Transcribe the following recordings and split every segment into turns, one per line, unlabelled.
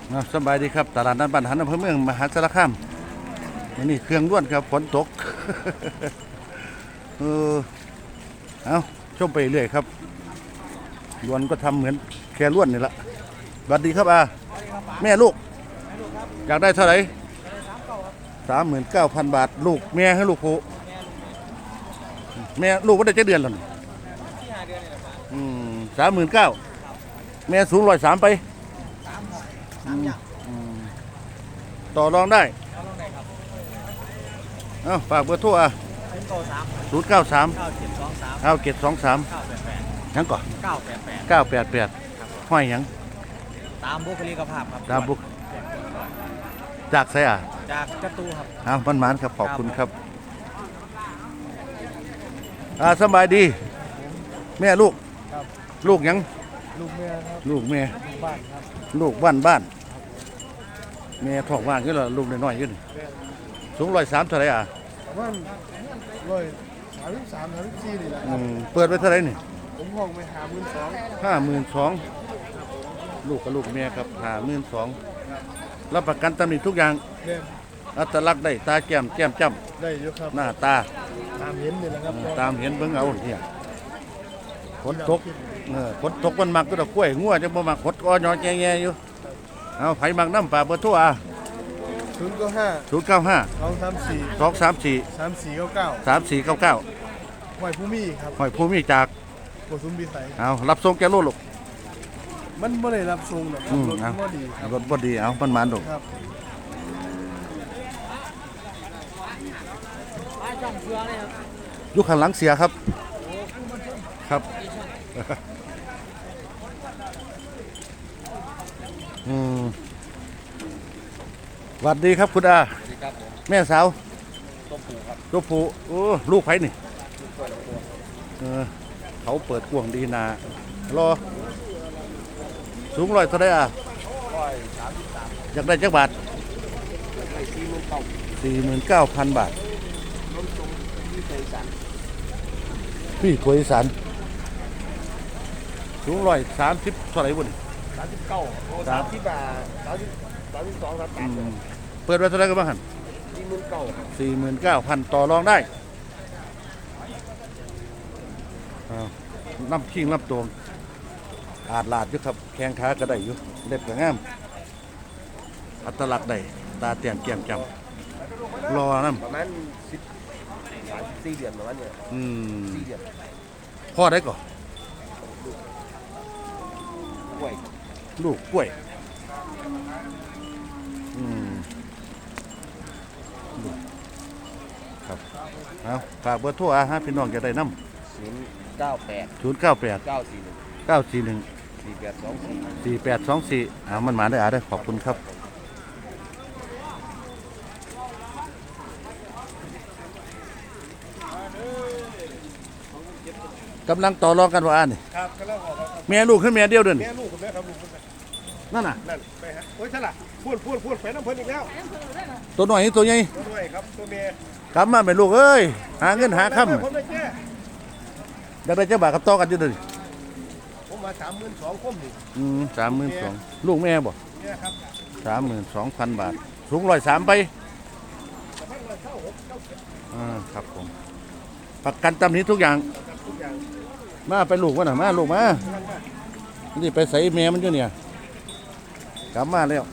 สบายดีครับตลาดนัดบ้านหันอำเภอเมืองมหาสารคามวันนี้เครื่องล้วนครับฝนตก เออเอาชมไปเรื่อยครับล้วนก็ทำเหมือนแค่ล้วนนี่แหละสวัสดีครับแม่ลูกอยากได้เท่าไหร่39,000 บาทลูกแม่ให้ลูกผู้แม่ลูกว่าได้7 เดือนแล้วนี่39,000แม่สูง103ไปต่อรองได้เอาฝากเบอร์โทร093 9723ยังก่อน988ห้อยยัง
ตามบุคลิกภาพครับ
ตามบุกจากไส
จากจตุครับ
เอามันหมานครับขอบคุณครับสบายดีแม่ลูกลูกยัง
ลูกเมียครับ
ลูกแม่
บ้านครับ
ลูกบ้านแม่ท้องว่างขึ้นแล้วลูกน้อยๆขึ้นสูง103เท่าไหร่
วัน133-134นี่แหละครับ
เปิดไปเท่าไหร่นี่
ผมห้องไป
52,000ลูกกับลูกแม่ครับ52,000รับประกันตำหนิทุกอย่างอัตลักษณ์ได้ตาแก้มจ้ำ
ได้เยอะครับ
หน้าตา
ตามเห็นนี่แหละครับ
ตามเห็นเบิ่งเอาเนี่ยฝนตกมันมักก็ตะกล้วยงัวจะบ่มักหดอ้อยแง่ๆอยู่เอาไผมักน้ำปลาเบอร์โทร
095 234 3499
3499
ห้อยผู้มีครับ
ห้อยภูมิจาก
โกสุมพิสัย
เอารับส่งแกโลลูก
มันไม่ได้รับส่งหรอกรถบ่ดีครับ
รถบ่ดีเอามันมันลูก
ครับ
อยู่ข้างหลังเสียครับสวัสดีครับคุณอาแม่สาวตัวผู้โอ้ลูกไผ่นี่เขาเปิดกวงดีนารอสูง100เท่าไหร่อยากได้จักบาท49,000 บาทพี่ถวยอีสานสูง130เท่าไหร่บุญ
39 30 บาท32 33
เปิดไว้เท่าไหร่กันบ้างหัน49,000ต่อรองได้น้ำขิงน้ำตวงอาดลาดอยู่ครับแข้งขาก็ได้อยู่เล็บก็งามอัตลักษณ์ได้ตาเตียนแก้มจำรอน้ำ
ประมาณ4 เดือนประมาณนี้4 เดือน
พ่อได้ก่อน
กล้วย
ลูกกล้วยครับเอาฝากเบอร์โทรฮะพี่น้องจะได้น้ำ
098
941 4824มันมาได้ได้ขอบคุณครับกำลังต่อรองกันว่านี่
ครับกำลังออกครับ
แม่ลูกขึ้นแม่เดียวเดิน
แม่ลูกกับแม่ครับลูก
นั่นน่ะ
ไปฮะโอ้ยใช่ล่ะพูดไปน้ำเพิ่นอีกแล้ว
ตัวหน่อยตัวใหญ่
ตัวใหญ่ครับตัวเมีย
กลับมาเป็นลูกเอ้ยหาเงินหาค่ำอยากได้เจ้าบ่าวกับต่อกันอยู่เดิน
ผมมา32,000คุ้มดิ
32,000ลูกแม่บ่
เนี่ยครับ
32,000 บาทสูง103ไปครับผมประกันตำหนิทุกอย่างมาไปลูกวะน่ะมาลูกมานี่ไปใส่แม่มันอยู่เนี่ยกลับมาแล้ว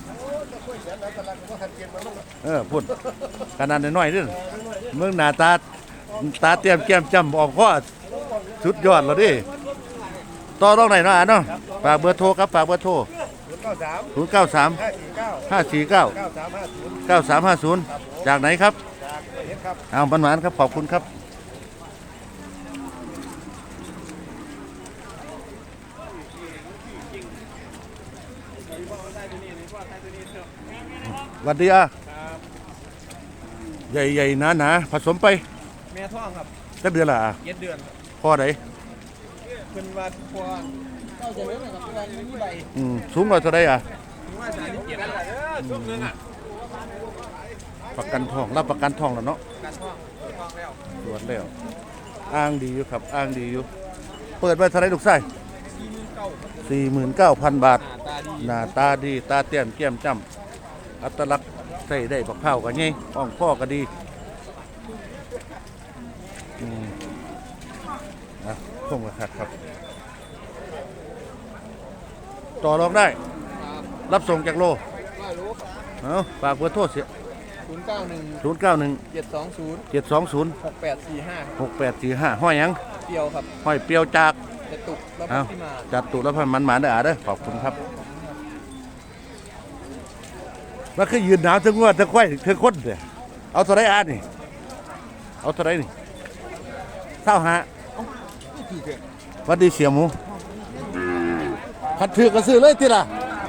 พูดขนาดน้อยๆด้วยเมืองหน้าตาเตรียมแก้มจำออกข้อสุดยอดแล้วดิต่อรองไหนเนาะเนาะฝากเบอร์โทรครับฝากเบอร์โทร093 549 9350จากไหนครับเอาบันหวานครับขอบคุณครับสวัสดีใหญ่ๆหนาผสมไป
แม่ท้องครับ
จักเดือนละ
7 เดือน
พ่อไหน
เป็นว่าพ่อเข้าจะเลี้ยงกับตัวนี้ใบ
สูงกว่าเท่าไร
ช่วงนึง
ประกันทองรับประกันทองแล้วเนาะตรวจแล้วอ้างดีอยู่ครับอ้างดีอยู่เปิดไว้เท่าไรลูกไส้49,000 บาท
ตา
หน้าตาดีตาเตี้ยมแก้มจ้ำอัตลักษณ์ใส่ได้บักเผาวกันไงอ่องข้อก็ดีนะส่งมาครับต่อรองได้ รับส่งจากโล
ไม่รู้ครับ
เอาฝากเบอร์โทรเสีย
091
091
720
720
6845
6845ห้อยหยัง
เปรียวครับ
ห้อยเปรียวจาก
จะตุกแล้ว
เอา
ที่มา
จัดตุแล้วพันมันหมาเด้อเด้อขอบคุณครับว่าคือยืนหนาวทั้งว่าทั้งควายทั้งคนเด้อเอาเท่าไรอ่านนี่เอาเท่าไรนี่เท่าหาวัดดีเสียหมูขัดถือก็ซื้อเลยทีละ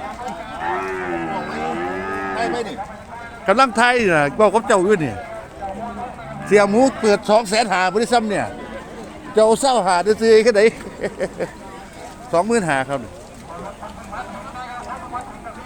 ไม่นี่กำลังไทยน่ะบอกกับเจ้าอยู่นี่เสียหมูเปิด200,000บริษัทเนี่ยเจ้าเศร้าหาได้ซื้อแค่ไหน 25,000ครับ